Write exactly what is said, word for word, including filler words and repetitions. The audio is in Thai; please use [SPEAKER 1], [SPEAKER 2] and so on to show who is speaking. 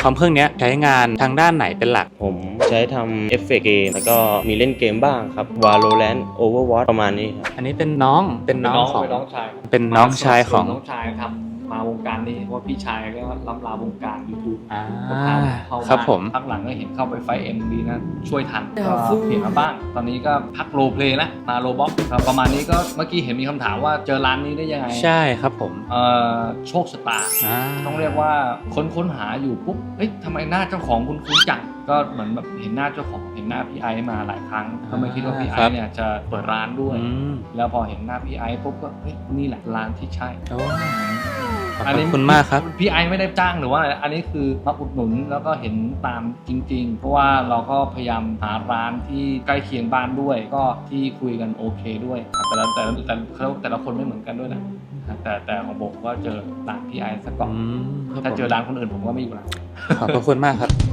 [SPEAKER 1] คอมเครื่องนี้ใช้งานทางด้านไหนเป็นหลัก
[SPEAKER 2] ผมใช้ทำเอฟเฟกต์เกมแล้วก็มีเล่นเกมบ้างครับ Valorant Overwatch ประมาณนี้ครับ
[SPEAKER 1] อันนี้เป็นน้องเป็นน้องของ
[SPEAKER 3] เป็นน้องชาย
[SPEAKER 1] เป็นน้องชายของ
[SPEAKER 3] น้องชายทำมาวงการนี้เพราะว่าพี่ชายก็ล้ำลาวงการ YouTube
[SPEAKER 1] อ่า
[SPEAKER 3] ก็พาเข้ามา
[SPEAKER 1] ครับผม
[SPEAKER 3] พักหลังก็เห็นเข้าไปไฟเอ็มดีนะช่วยทัน
[SPEAKER 1] เดี๋ยว
[SPEAKER 3] ก็
[SPEAKER 1] ฟู
[SPEAKER 3] เปลี่ยนมาบ้าง ตอนนี้ก็พักโรลเพลย์นะมาโรบ็อกประมาณนี้ก็เมื่อกี้เห็นมีคำถามว่าเจอร้านนี้ได้ยังไง
[SPEAKER 1] ใช่ครับผม
[SPEAKER 3] เอ่อโชคชะตา
[SPEAKER 1] อ่า
[SPEAKER 3] ต้องเรียกว่าค้นค้นหาอยู่ปุ๊บเอ้ยทำไมหน้าเจ้าของคุณคุ้นจังก็เหมือนแบบเห็นหน้าเจ้าของเห็นหน้าพี่ไอซ์มาหลายครั้งก็ไม่คิดว่าพี่ไอซ์เนี่ยจะเปิดร้านด้วย
[SPEAKER 1] อืม
[SPEAKER 3] แล้วพอเห็นหน้าพี่ไอซ์ปุ๊บก็เฮ้ยนี่แหละร้านที่ใช่
[SPEAKER 1] โอ้ขอบคุณมากครับ
[SPEAKER 3] พี่ไอซ์ไม่ได้จ้างหรือว่าอะไรอันนี้คือมาอุดหนุนแล้วก็เห็นตามจริง ๆ เพราะว่าเราก็พยายามหาร้านที่ใกล้เคียงบ้านด้วย ก็ที่คุยกันโอเคด้วยแต่ละแต่ละแต่ละแต่ละแต่ละคนไม่เหมือนกันด้วยนะแต่แต่ของผมก็เจอร้านพี่ไอซ์ซะก่อน
[SPEAKER 1] อืมครับ
[SPEAKER 3] ถ้าเจอ
[SPEAKER 1] ผม
[SPEAKER 3] ร้านคนอื่นผมก็ไม่อยู่ละ
[SPEAKER 1] ขอบพระคุณมากครับ